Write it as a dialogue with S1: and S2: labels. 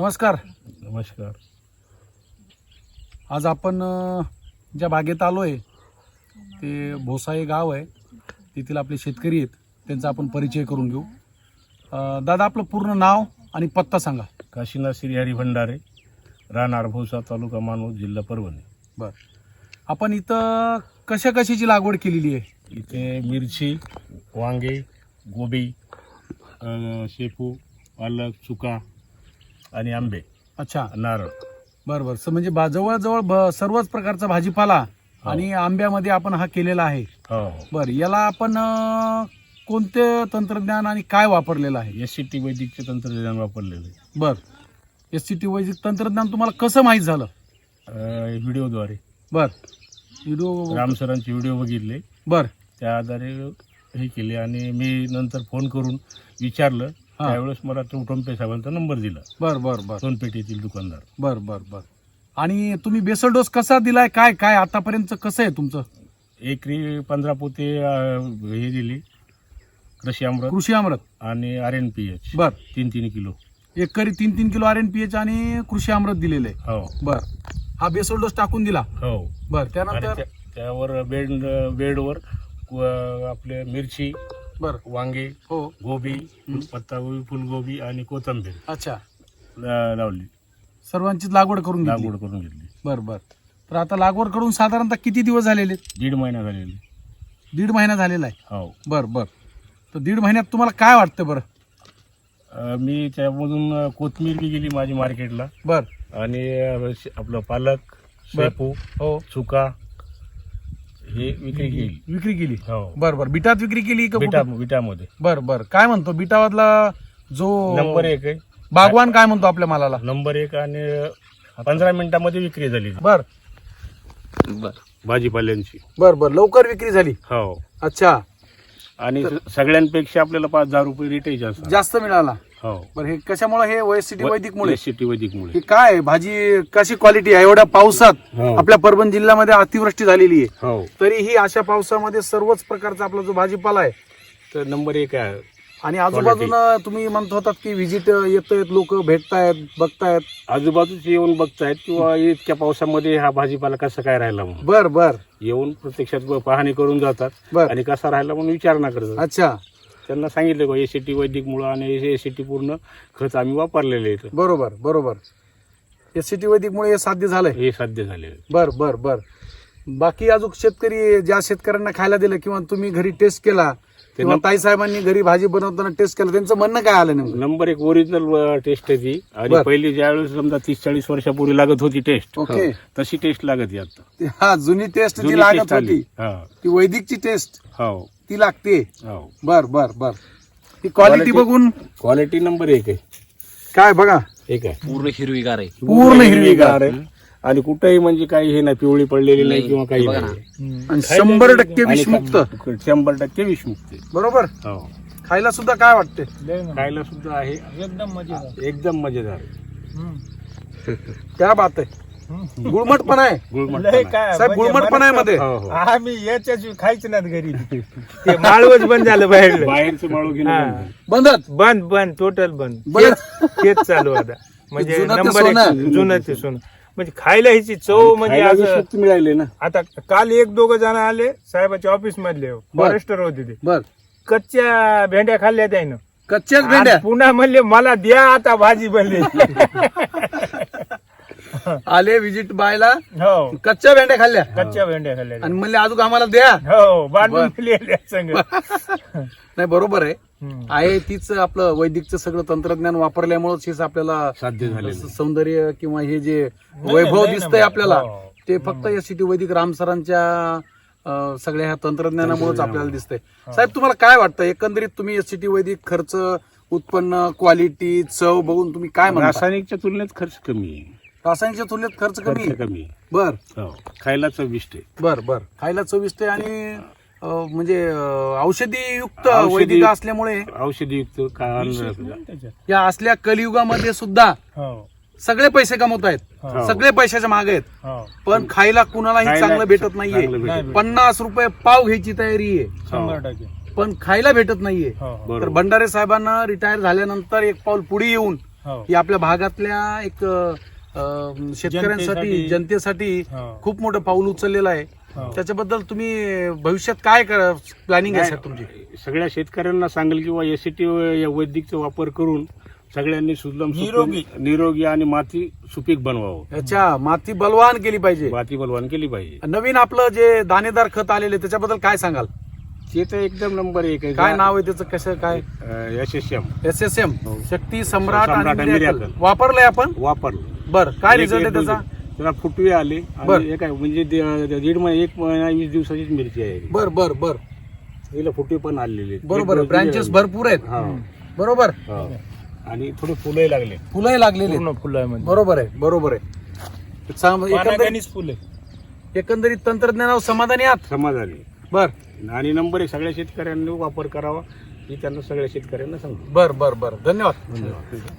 S1: नमस्कार.
S2: नमस्कार.
S1: आज आपण ज्या बागेत आलो आहे ते भोसा हे गाव आहे. तेथील आपले शेतकरी आहेत, त्यांचा आपण परिचय करून घेऊ. दादा, आपलं पूर्ण नाव आणि पत्ता सांगा.
S2: काशीनाथ श्रीहरी भंडारे, राहणार भोसा, तालुका मानवत, जिल्हा परभणी.
S1: बरं, आपण इथं कशाची लागवड केलेली आहे?
S2: इथे मिरची, वांगे, गोबी, शेपू, पालक, चुका आणि आंबे.
S1: अच्छा,
S2: नारळ.
S1: बरं बरं. म्हणजे जवळजवळ सर्वच प्रकारचा भाजीपाला आणि आंब्यामध्ये आपण हा केलेला आहे.
S2: हो.
S1: बरं, याला आपण कोणते तंत्रज्ञान आणि काय वापरलेलं आहे?
S2: SCT वैदिकचे तंत्रज्ञान वापरलेलं आहे.
S1: बरं, SCT वैदिक तंत्रज्ञान तुम्हाला कसं माहीत झालं?
S2: व्हिडिओद्वारे.
S1: बरं, व्हिडिओ
S2: राम सरांचे व्हिडिओ बघितले,
S1: बरं
S2: त्या आधारे हे केले आणि मी नंतर फोन करून विचारलं. त्यावेळेस मला तो टोंपे साहेबांचा नंबर दिला.
S1: बरं बरं बरं
S2: सोनपेठेतील दुकानदार.
S1: बरं बरं बरं. आणि तुम्ही बेसल डोस कसा दिलाय? काय काय आतापर्यंत कसं आहे तुमचं?
S2: एकरी 15 पोते हे दिली, कृषी अमृत आणि RNPH.
S1: बर,
S2: 3 किलो.
S1: एकरी 3 किलो RNPH आणि कृषी अमृत दिलेलं आहे.
S2: हो.
S1: बर, हा बेसल डोस टाकून दिला.
S2: हो.
S1: बर, त्यानंतर
S2: त्यावर बेडवर आपले मिरची,
S1: बर,
S2: वांगे,
S1: हो,
S2: गोबी, पत्तागोबी, फुलगोबी आणि कोथिंबीर
S1: अच्छा,
S2: लावली.
S1: सर्वांचीच लागवड करून
S2: घेतली.
S1: बर बर. तर आता लागवड करून साधारणतः किती दिवस झालेले?
S2: 1.5 महिना झालेले.
S1: 1.5 महिना झालेला आहे.
S2: हो.
S1: बर बर. तर 1.5 महिन्यात तुम्हाला काय वाटतं? बरं,
S2: मी त्यामधून कोथिंबीर बी गेली माझी मार्केटला.
S1: बर,
S2: आणि आपलं पालक, शेपू,
S1: हो,
S2: चुका हे विक्री केली. हो.
S1: बर बर. बिटात विक्री केली का?
S2: बिटामध्ये.
S1: बर बर. काय म्हणतो बिटावादला जो
S2: नंबर 1 आहे?
S1: बागवान काय म्हणतो आपल्या मालाला?
S2: नंबर 1 आणि 15 मिनिटांमध्ये विक्री झाली.
S1: बर
S2: बर. भाजीपाल्यांची.
S1: बर बर, लवकर विक्री झाली.
S2: हो.
S1: अच्छा.
S2: आणि सगळ्यांपेक्षा आपल्याला 5,000 रुपये रेटही
S1: जास्त मिळाला.
S2: हो.
S1: बरं, हे कशामुळे? हे SCT वैदिकमुळे.
S2: SCT वैदिकमुळे.
S1: हे काय भाजी कशी क्वालिटी आहे? एवढ्या पावसात
S2: हो.
S1: आपल्या परभणी जिल्ह्यामध्ये अतिवृष्टी झालेली आहे,
S2: हो,
S1: तरीही अशा पावसामध्ये सर्वच प्रकारचा आपला जो भाजीपाला आहे
S2: तर नंबर 1 आहे.
S1: आणि आजूबाजूला तुम्ही म्हणत होतात की व्हिजिट येतायत, लोक भेटतायत, बघतायत.
S2: आजूबाजूच येऊन बघतायत किंवा इतक्या पावसामध्ये हा भाजीपाला कसा काय राहिला म्हणून.
S1: बर बर.
S2: येऊन प्रत्यक्षात पाहणी करून जातात.
S1: बर.
S2: आणि कसा राहिला म्हणून विचारणा करतात.
S1: अच्छा.
S2: त्यांना सांगितलं का SCT वैदिकमुळे आणि SCT पूर्ण खत आम्ही वापरलेले आहेत.
S1: बरोबर बरोबर. SCT वैदिकमुळे हे साध्य झालंय.
S2: हे साध्य झाले.
S1: बर बर बर. बाकी अजून शेतकरी, ज्या शेतकऱ्यांना खायला दिलं किंवा तुम्ही घरी टेस्ट केला किंवा ताई साहेबांनी घरी भाजी बनवताना टेस्ट केलं, त्यांचं म्हणणं काय आलं नेमकं?
S2: नंबर 1 ओरिजिनल टेस्ट आहे ती. आणि पहिली ज्यावेळेस समजा 30-40 वर्षापूर्वी लागत होती टेस्ट,
S1: ओके,
S2: तशी टेस्ट लागत आता.
S1: हा, जुनी टेस्ट जी लागत होती
S2: हा.
S1: ती वैदिकची टेस्ट
S2: हो.
S1: ती लागते.
S2: हो.
S1: बर बर बर. ही क्वालिटी बघून
S2: क्वालिटी नंबर 1 आहे.
S1: काय बघा,
S2: एक आहे.
S3: पूर्ण हिरवीगार आहे.
S1: पूर्ण हिरवीगार
S2: आहे. आणि कुठेही म्हणजे काही हे नाही, पिवळी पडलेली नाही किंवा काही
S3: बघा
S2: नाही.
S1: आणि 100% विषमुक्त.
S2: 100% विषमुक्त.
S1: बरोबर.
S2: हो.
S1: खायला सुद्धा काय वाटते?
S2: खायला सुद्धा आहे एकदम मजेदार.
S1: क्या बात आहे. गुळमट पण आहे.
S2: गुळमट
S1: साहेब, गुळमट पण आहे मध्ये.
S2: हो, हो.
S4: आम्ही याच्याच खायच नात घरी. ते माळवच बंद झालं बाहेर.
S2: बाहेरचं माळू घेऊन
S1: बंदच.
S4: बंद टोटल बंद.
S1: बरं.
S4: तेच चालू आता. म्हणजे
S1: जुनं ते
S4: नंबर
S1: सोनं.
S4: 1 जुनं ते सोनं. म्हणजे खायला ह्याची चव म्हणजे असं.
S2: मिळाले ना.
S4: आता काल 1-2 जण आले साहेबाच्या ऑफिस मधले, फॉरेस्टर होते ते.
S1: बर.
S4: कच्च्या भेंड्या खाल्ल्या त्यानं.
S1: कच्च्याच भेंड्या.
S4: आज पुन्हा म्हणले मला द्या आता भाजी बनली.
S1: आले विजिट बायला,
S4: हो,
S1: कच्च्या भेंड्या खाल्ल्या
S4: कच्च्या भेंड्या खाल्ल्या.
S1: आणि म्हणले अजून आम्हाला द्या.
S4: हो, बांधून दिलेल्या संग.
S1: नाही, बरोबर आहे. आहे तीच आपलं वैदिकचं सगळं तंत्रज्ञान वापरल्यामुळेच हेच आपल्याला
S2: साध्य झाले.
S1: सौंदर्य किंवा हे जे वैभव दिसतंय आपल्याला,
S4: हो.
S1: ते फक्त SCT वैदिक रामसरांच्या सगळ्या ह्या तंत्रज्ञानामुळेच आपल्याला दिसतंय. साहेब, तुम्हाला काय वाटतं एकंदरीत? तुम्ही SCT वैदिक खर्च, उत्पन्न, क्वालिटी, चव बघून तुम्ही काय म्हणता?
S2: रासायनिकच्या तुलनेत खर्च कमी आहे.
S1: रासायनिकच्या तुलनेत खर्च कमी आहे.
S2: कमी.
S1: बर.
S2: हो. खायला चविष्ट आहे.
S1: बर बर. खायला चविष्ट आहे आणि म्हणजे औषधी युक्त
S2: औषधी-
S1: वैदिक असल्यामुळे
S2: औषधीयुक्त
S1: या असल्या कलियुगामध्ये सुद्धा
S4: हो,
S1: सगळे पैसे कमवत आहेत,
S4: हो.
S1: सगळे पैशाच्या मागे आहेत,
S4: हो.
S1: पण खायला कुणालाही
S2: खायला
S1: चांगलं भेटत
S2: चांगलं
S1: नाहीये.
S2: भेटत
S1: 50 रुपये पाव घ्यायची तयारी आहे,
S4: 100%.
S1: पण खायला भेटत नाहीये.
S4: हो.
S1: तर भंडारे साहेबांना रिटायर झाल्यानंतर एक पाऊल पुढे येऊन
S4: हो.
S1: ही आपल्या भागातल्या एक शेतकऱ्यांसाठी जनतेसाठी
S4: हो.
S1: खूप मोठं पाऊल उचललेलं आहे.
S4: हो.
S1: त्याच्याबद्दल तुम्ही भविष्यात काय प्लॅनिंग आहे साहेब तुमची?
S2: सगळ्या शेतकऱ्यांना सांगेल किंवा एसीटी वैदिकचा वापर करून सगळ्यांनी सुजलम निरोगी आणि माती सुपीक बनवावं.
S1: अच्छा, माती बलवान केली पाहिजे.
S2: माती बलवान केली पाहिजे.
S1: नवीन आपलं जे दाणेदार खत आलेले त्याच्याबद्दल काय सांगाल?
S2: ते तर एकदम नंबर 1 आहे.
S1: काय नाव आहे त्याचं, कसं काय?
S2: SSM
S1: SSM
S2: हो.
S1: शक्ती सम्राट
S2: सम्राट
S1: आणि
S2: आणि
S1: मिरॅकल.
S2: मिरॅकल.
S1: वापरलंय आपण?
S2: वापरलं.
S1: बर, काय
S2: एक
S1: रिझल्ट आहे त्याचा?
S2: त्याला फुटवे आले
S1: बर.
S2: आणि काय म्हणजे 1 महिना 20 दिवसाचीच मिरची आहे.
S1: बर बर बर,
S2: तिला फुटवे पण आलेले आहेत.
S1: बरोबर.
S2: एक
S1: ब्रांचेस
S2: दिवस-
S1: भरपूर आहेत.
S2: हा.
S1: बरोबर.
S2: हा. आणि थोडे फुलंही लागले.
S1: फुलंही लागलेली
S4: पूर्ण फुलं आहे म्हणजे.
S1: बरोबर आहे, बरोबर आहे.
S4: पानागणिक फुले.
S1: एकंदरीत तंत्रज्ञानावर समाधानी आहात?
S2: समाधानी.
S1: बर
S2: आणि नंबर 1 सगळ्या शेतकऱ्यांनी वापर करावा ही त्यांना सगळ्या शेतकऱ्यांना सांगतो.
S1: बर बर बर, धन्यवाद.
S2: धन्यवाद.